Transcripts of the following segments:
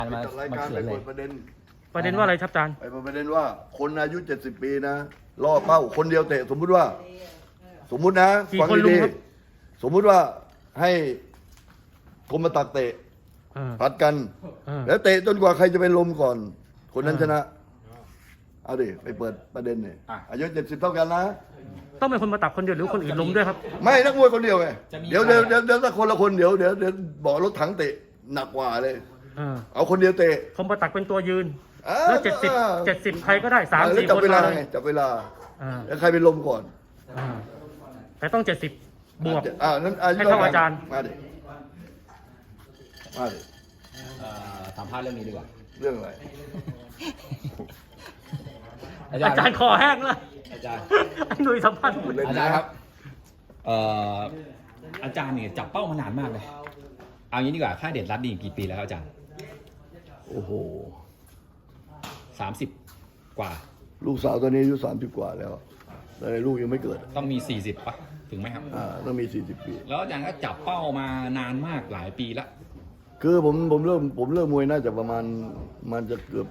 มาจัดรายการเขีไปยนเลเปิยดประเด็นประเด็นว่าอะไรครับอาจารย์ไปเปิดประเด็นว่าคนอายุ70 ปีนะล่อเป้าคนเดียวเตะสมมุตินะกี่ฟังคนลุดีงครับๆสมมุติว่าให้คมมาตักเตะเออผัดกันเออแล้วเตะจนกว่าใครจะเป็นลมก่อน คนนั้นชนะ เอาดิไปเปิดประเด็นเนี่ยอายุ70เท่ากันนะต้องเป็นคนมาตักคนเดียวหรือคนอื่นล้มด้วยครับไม่นักมวยคนเดียวไงเดี๋ยวถ้าคนละคนเดี๋ยวบอกรถถังเตะหนักกว่าเลยเออเอาคนเดียวเตะคนมาตักเป็นตัวยืนอ่าแล้ว70ใครก็ได้3-4 แล้วจับคนเวลามาไงจับเวลาอ่าแล้วใครเป็นลมก่อนอ่าแต่ต้อง70บวกนั้นให้เท่าอาจารย์มาดิมาดิสัมภาษณ์เรื่องนี้ดีกว่าเรื่องอะไรอาจารย์คอแห้งแล้วอาจารย์ไอ้หนุ่ยสัมภาษณ์อาจารย์ครับอาจารย์เนี่ยจับเป้ามานานมากเลยเอางี้ดีกว่าค่ายเด็ดรัดนี่กี่ปีแล้วครับอาจารย์โอ้โห 30 กว่าลูกสาวตอนนี้อายุ30 กว่าแล้วแต่ลูกยังไม่เกิดต้องมี40ปะถึงไหมครับต้องมี40 ปีแล้วอาจารย์ก็จับเป้ามานานมากหลายปีละคือผมเริ่มมวยน่าจะประมาณมันจะเกือบ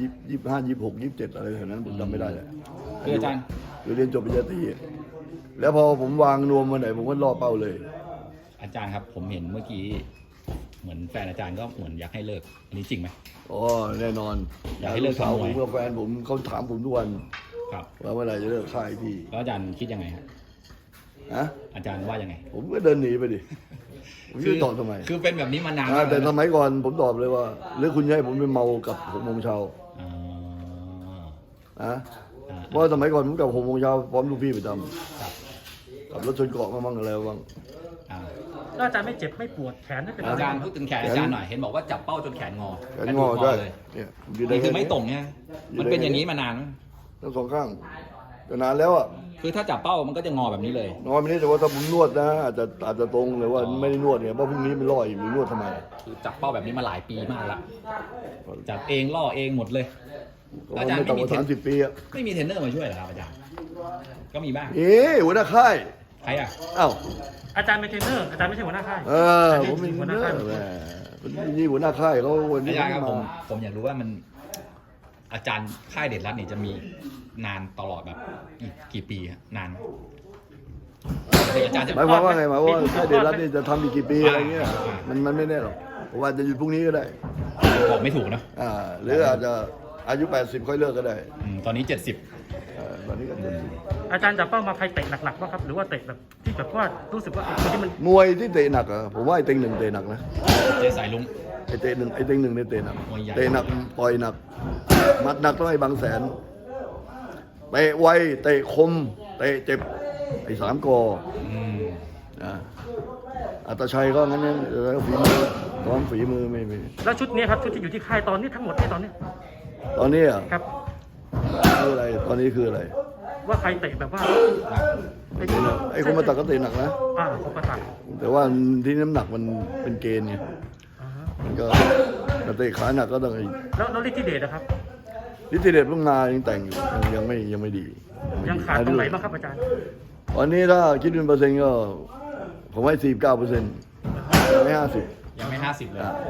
25 26 27อะไรแถวนั้นผมจำไม่ได้เลยคืออาจารย์คือเรียนจบปริญญาตรีแล้วพอผมวางนวมมาไหนผมก็ล่อเป้าเลยอาจารย์ครับผมเห็นเมื่อกี้เหมือนแฟนอาจารย์ก็เหมือนอยากให้เลิกอันนี้จริงไหมอ๋อแน่นอนอยากให้เลิกสาวทำมผวยมกับแฟนผมเขาถามผมทุกวันครับว่าเมื่อไหร่จะเลิกค่ายพี่แล้วอาจารย์คิดยังไงครับฮะอาจารย์ว่ายังไงผมก็เดินหนีไปดิผมจะตอบทำไมคือเป็นแบบนี้มานานมากแต่แล้วสมัยก่อนผมตอบเลยว่าหรือคุณจะให้ผมไปเมากับ6 โมงเช้าอ๋อนะเพราะสมัยก่อนผมกับ6 โมงเช้าพร้อมลูกพี่ประจครับำกับรถชนเกาะมาบ้างอะไรบ้างอ่าแล้วอาจารย์ไม่เจ็บไม่ปวดแขนไม่เป็นไรอาจารย์พูดถึงแขนอาจารย์หน่อย เห็นบอกว่าจับเป้าจนแขนงอแขนงอได้เลยเนี่ยผมนี่คือไม่แนี้ตรงไงมันเป็นอย่างนี้มานานไหมทั้งสองข้างแต่นานแล้วอ่ะคือถ้าจับเป้ามันก็จะงอแบบนี้เลยนอนไม่ได้แต่ว่าถ้าผมนวดนะอาจจะตรงหรือว่าไม่ได้นวดเนี่ยเพราะพรุ่งนี้มันลอยอยู่นวดทำไมคือจับเป้าแบบนี้มาหลายปีมากละจับเองล่อเองหมดเลยก็อาจารย์ไม่ต่ำกว่าไม่มี 30 ปีอ่ะไม่มีเทรนเนอร์มาช่วยเหรอครับอาจารย์ ก็มีบ้างหัวหน้าค่ายใครอ่ะอ้าวอาจารย์เป็นเทรนเนอร์อาจารย์ไม่ใช่หัวหน้าค่ายผมเป็นหัวหน้าค่ายแหมนี่หัวหน้าค่ายเขาวันนี้อาจารย์ครับมาผมอยากรู้ว่ามันอาจารย์ค่ายเด็ดรัฐเนี่ยจะมีนานตลอดแบบอีกกี่ปีฮะนานไหมอาจารย์จะหมายความว่าไงหมายความว่าค่ายเดชรัตน์นี่จะทำอีกกี่ปีอะไรเงี้ยมันไม่แน่หรอกผมว่าจะหยุดพรุ่งนี้ก็ได้บอกไม่ถูกนะหรืออาจจะอายุ 80 ค่อยเลิกก็ได้ตอนนี้ 70 ตอนนี้ก็อาจารย์จับเป้ามาใครเตะหนักๆบ้างครับหรือว่าเตะแบบที่แบบว่ารู้สึกว่าไอ้คนที่มันมวยที่เตะหนักอะผมว่าไอ้เต็งหนึ่งเตะหนักนะเจสายลุงไอ้เต็งหนึ่งเนี่ยเตะหนักมวยใหญ่เตะหนักปล่อยหนักหมัดหนักต้องให้บางแสนเตะไวเตะคมเตะเจ็บไอ้3 กออืมอัตชัยก็งั้นเนี่ยแล้วฝีมือซ้อมฝีมือไม่แล้วชุดนี้ครับชุดที่อยู่ที่ค่ายตอนนี้ทั้งหมดที่ตอนนี้ตอนนี้อ่ะครับคืออะไรตอนนี้คืออะไรว่าใครเตะแบบว่าไอ้ไอ้คนมาตักก็เตะหนักนะคนมาตักแต่ว่าที่น้ำหนักมันเป็นเกณฑ์ไงอ่าฮะมันก็แต่เตะขาหนักก็ต้องแล้วฤทธิเดชนะครับนิติเดชเพิ่งมายังแต่งอยู่ยังไม่ดียังขาดตรงไหนบ้างครับอาจารย์ตอนนี้ถ้าคิดเป็นเปอร์เซ็นต์ก็ผมให้49%ยังไม่50 ยังไม่ 50 เลย